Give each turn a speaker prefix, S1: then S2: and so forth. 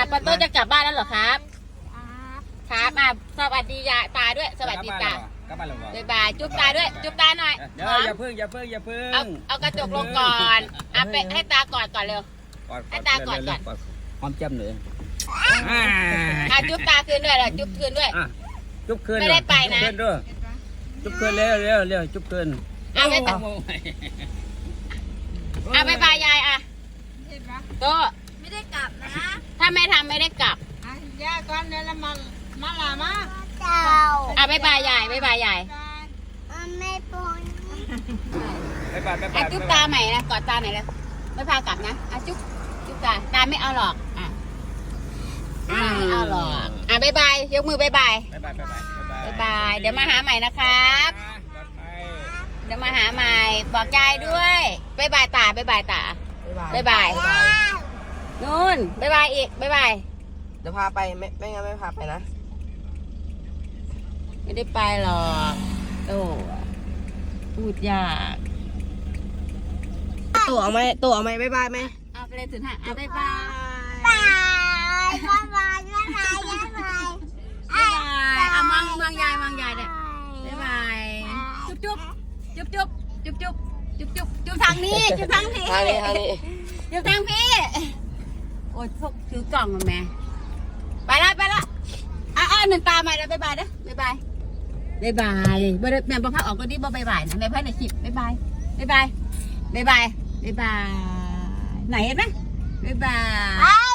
S1: ปาโต้จะกลับบ้านแล้วเหรอครับครับสวัสดียายตาด้วยสวัสดีตาบ๊ายบายจุ๊บตาด้วยจุ๊บตาหน่อย
S2: เดี๋ยวอย่าเพิ่ง
S1: เอากระจกลงก่อนไปให้ตากอดก่อนเร็วให้ตากอดก่อน
S2: หอมแจ่มเลย
S1: จุ๊บตาคืนด้วยเหรอจุ๊บคืนด้วย
S2: จุ๊บคืน
S1: ไม่ได้ไปนะ
S2: จุ๊บคืนเร็วจุ๊บคืน
S1: ไม่ต้องบ๊ายบายยายโต
S3: ไม่ได้กลับนะ
S1: ถ้าไม่ทำไม่ได้กลับ
S3: ย่าก่อนเดี๋ยวเรามาลามา
S1: บ๊ายบายยายบ๊ายบายยาย
S3: ไม่ปน
S1: จุ๊บตาใหม่นะกอดตาหน่อยแล้วไม่พากลับนะจุ๊บตาไม่เอาหรอกไม่เอาหรอกบ๊ายบายยกมือบ๊ายบายเดี๋ยวมาหาใหม่นะครับเดี๋ยวมาหาใหม่บอกยายด้วยบ๊ายบายตาบ๊ายบายตาบ๊ายบายนู่นบ๊ายบายอีกบ๊ายบาย
S4: เดี๋ยวพาไปไม่งั้นไม่พาไปนะ
S1: ไม่ได้ไปหรอกโอ้พูดยาก
S4: ตัวเอาไหมบ๊ายบายไหม
S1: เอาไปเลยถึงห้าบ๊ายบายเอามองยายเนี่ยบ๊ายบายจุ๊บทางนี้จุ๊บทางพี่จุ๊บทางพี่โอ้ยพวกถือกล่องมาแม่ไปละหนึ่งตาใหม่แล้วบ๊ายบายนะบ๊ายบายแม่บอกพักออกก็ดีบ๊ายบายนะแม่พักในคลิปบ๊ายบายไหนเห็นไหมบ๊ายบาย